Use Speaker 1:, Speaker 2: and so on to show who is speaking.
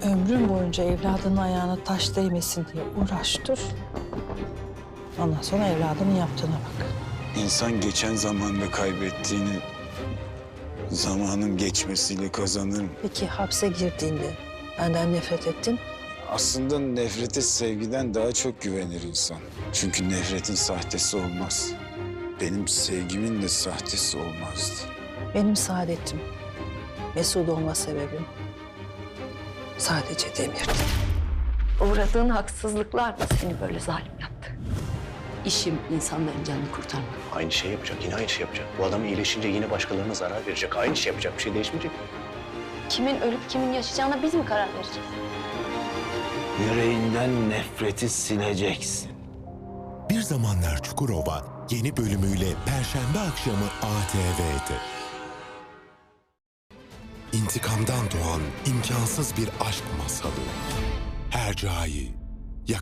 Speaker 1: Ömrün boyunca evladının ayağına taş değmesin diye uğraş dur. Ondan sonra evladının yaptığına bak.
Speaker 2: İnsan geçen zamanda kaybettiğini zamanın geçmesiyle kazanır mı?
Speaker 1: Peki hapse girdiğinde benden nefret ettin.
Speaker 2: Aslında nefrete sevgiden daha çok güvenir insan. Çünkü nefretin sahtesi olmaz. Benim sevgimin de sahtesi olmazdı.
Speaker 1: Benim saadetim, mesut olma sebebim sadece Demir'di.
Speaker 3: Uğradığın haksızlıklar mı seni böyle zalim yaptı? İşim insanların canını kurtarmak.
Speaker 4: Aynı şey yapacak, yine aynı şey yapacak. Bu adam iyileşince yine başkalarına zarar verecek. Aynı şey yapacak, bir şey değişmeyecek.
Speaker 3: Kimin ölüp kimin yaşayacağına biz mi karar vereceğiz?
Speaker 5: Yüreğinden nefreti sileceksin.
Speaker 6: Bir Zamanlar Çukurova yeni bölümüyle Perşembe akşamı ATV'de. İntikamdan doğan imkansız bir aşk masalı. Hercai.